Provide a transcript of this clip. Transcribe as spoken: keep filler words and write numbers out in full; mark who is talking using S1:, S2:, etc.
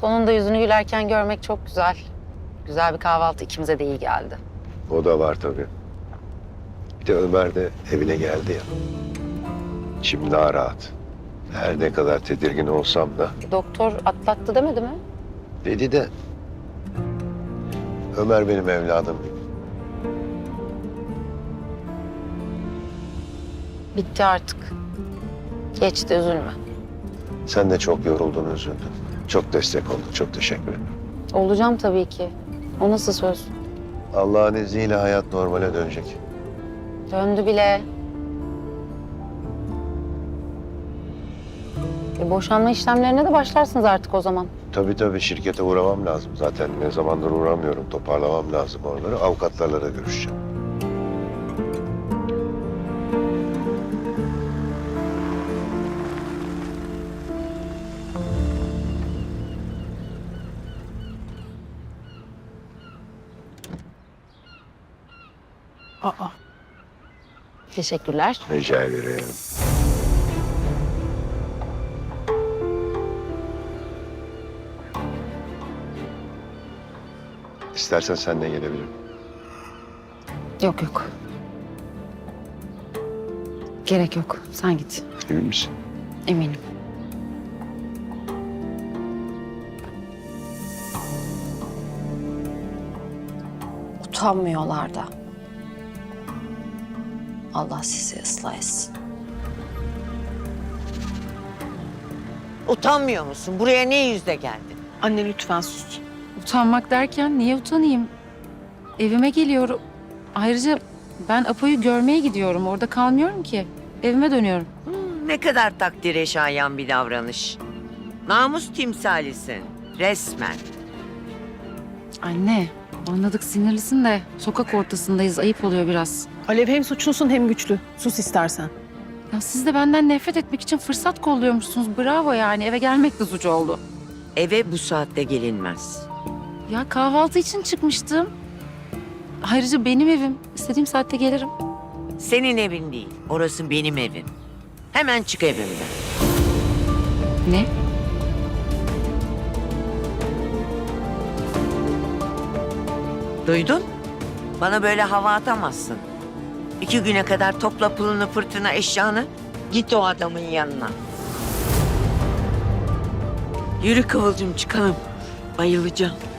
S1: Sonunda yüzünü gülerken görmek çok güzel. Güzel bir kahvaltı ikimize de iyi geldi.
S2: O da var tabii. Bir de Ömer de evine geldi ya. İçim daha rahat. Her ne kadar tedirgin olsam da.
S1: Doktor atlattı demedi mi?
S2: Dedi de Ömer benim evladım gibi.
S1: Bitti artık. Geçti, üzülme.
S2: Sen de çok yoruldun, üzüldün. Çok destek oldun. Çok teşekkür ederim.
S1: Olacağım tabii ki. O nasıl söz?
S2: Allah'ın izniyle hayat normale dönecek.
S1: Döndü bile. E, boşanma işlemlerine de başlarsınız artık o zaman.
S2: Tabii tabii şirkete uğramam lazım. Zaten ne zamandır uğramıyorum. Toparlamam lazım oraları. Avukatlarla da görüşeceğim.
S3: Aa,
S1: Teşekkürler.
S2: Rica ederim. İstersen sen de gelebilirim.
S1: Yok yok. Gerek yok. Sen git.
S2: Emin misin?
S1: Eminim.
S4: Utanmıyorlar da. Allah sizi ıslah etsin.
S5: Utanmıyor musun? Buraya ne yüzle geldin?
S3: anne lütfen sus.
S6: Utanmak derken niye utanayım? Evime geliyorum. Ayrıca ben Apo'yu görmeye gidiyorum. Orada kalmıyorum ki. Evime dönüyorum.
S5: Hmm, ne kadar takdire şayan bir davranış. Namus timsalisin. Resmen.
S6: Anne, anladık sinirlisin de sokak ortasındayız. Ayıp oluyor biraz.
S3: Alev hem suçlusun hem güçlü. Sus istersen.
S6: Ya siz de benden nefret etmek için fırsat kolluyormuşsunuz. Bravo yani. Eve gelmek de suç oldu.
S5: Eve bu saatte gelinmez.
S6: Ya kahvaltı için çıkmıştım. Ayrıca benim evim. İstediğim saatte gelirim.
S5: Senin evin değil. Orası benim evim. Hemen çık evimden.
S6: Ne?
S5: Duydun? Bana böyle hava atamazsın. İki güne kadar topla pılını fırtına eşyanı. Git o adamın yanına. Yürü Kıvılcım çıkalım. Bayılacağım.